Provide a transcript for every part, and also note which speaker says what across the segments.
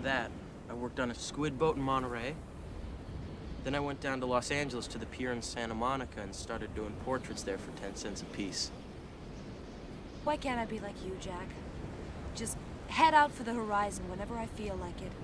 Speaker 1: that, I worked on a squid boat in Monterey. Then I went down to Los Angeles to the pier in Santa Monica and started doing portraits there for 10 cents a piece.
Speaker 2: Why can't I be like you, Jack? Just head out for the horizon whenever I feel like it.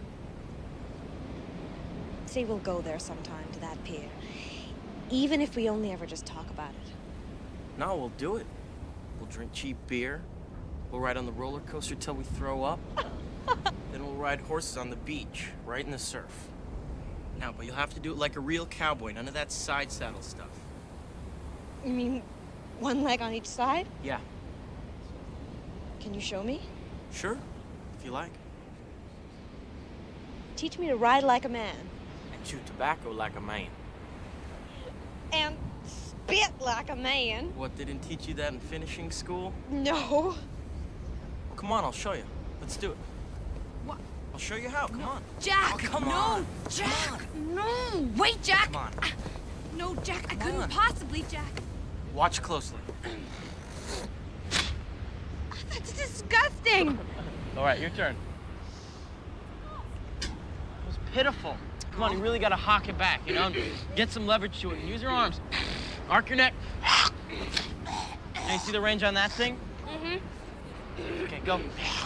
Speaker 3: Say we'll go there sometime, to that pier. Even if we only ever just talk about it.
Speaker 1: No, we'll do it. We'll drink cheap beer. We'll ride on the roller coaster till we throw up. Then we'll ride horses on the beach, right in the surf. Now, but you'll have to do it like a real cowboy, none of that side saddle stuff.
Speaker 3: You mean one leg on each side?
Speaker 1: Yeah,
Speaker 3: Can you show me?
Speaker 1: sure, if you like.
Speaker 3: Teach me to ride like a man.
Speaker 1: And chew tobacco like a man.
Speaker 3: And spit like a man.
Speaker 1: What, they didn't teach you that in finishing school?
Speaker 3: No.
Speaker 1: Well, come on, I'll show you. Let's do it.
Speaker 2: What?
Speaker 1: I'll show you how, come on.
Speaker 2: Jack!
Speaker 1: Oh, come
Speaker 2: no!
Speaker 1: on.
Speaker 2: Jack! No! Wait, Jack!
Speaker 1: Come on.
Speaker 2: No, Jack, I
Speaker 1: Come
Speaker 2: couldn't
Speaker 1: on.
Speaker 2: possibly, Jack.
Speaker 1: Watch closely.
Speaker 3: That's disgusting.
Speaker 1: All right, your turn. It was pitiful. Come on, you really gotta hawk it back, you know? Get some leverage to it and use your arms. Arc your neck. Now you see the range on that thing?
Speaker 3: Mm-hmm.
Speaker 1: Okay, go.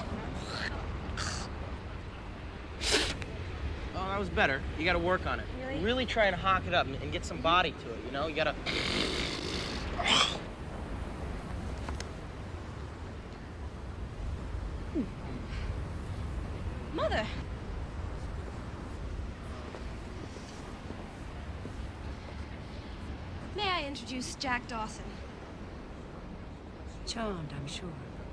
Speaker 1: Oh, that was better. You gotta work on it.
Speaker 3: Really?
Speaker 1: Try and hawk it up and get some body to it, you know? You gotta...
Speaker 3: Mother. May I introduce Jack Dawson?
Speaker 2: Charmed, I'm sure.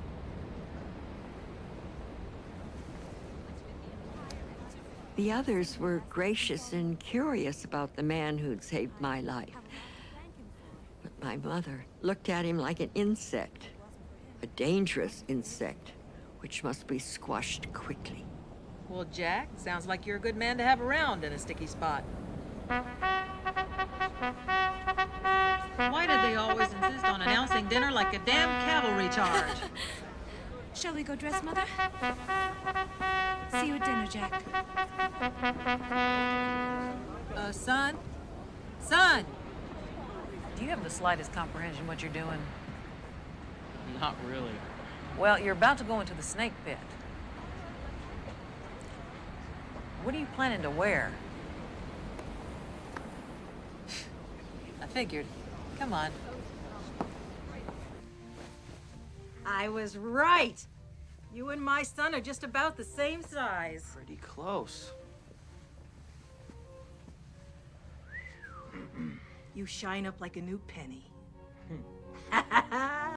Speaker 4: The others were gracious and curious about the man who'd saved my life. But my mother looked at him like an insect, a dangerous insect, which must be squashed quickly.
Speaker 5: Well, Jack, sounds like you're a good man to have around in a sticky spot. Why did they always insist on announcing dinner like a damn cavalry charge?
Speaker 2: Shall we go dress, Mother? See you at dinner, Jack.
Speaker 5: Son? Son! Do you have the slightest comprehension what you're doing?
Speaker 1: Not really.
Speaker 5: Well, you're about to go into the snake pit. What are you planning to wear? I figured. Come on. I was right. You and my son are just about the same size.
Speaker 1: Pretty close.
Speaker 5: You shine up like a new penny.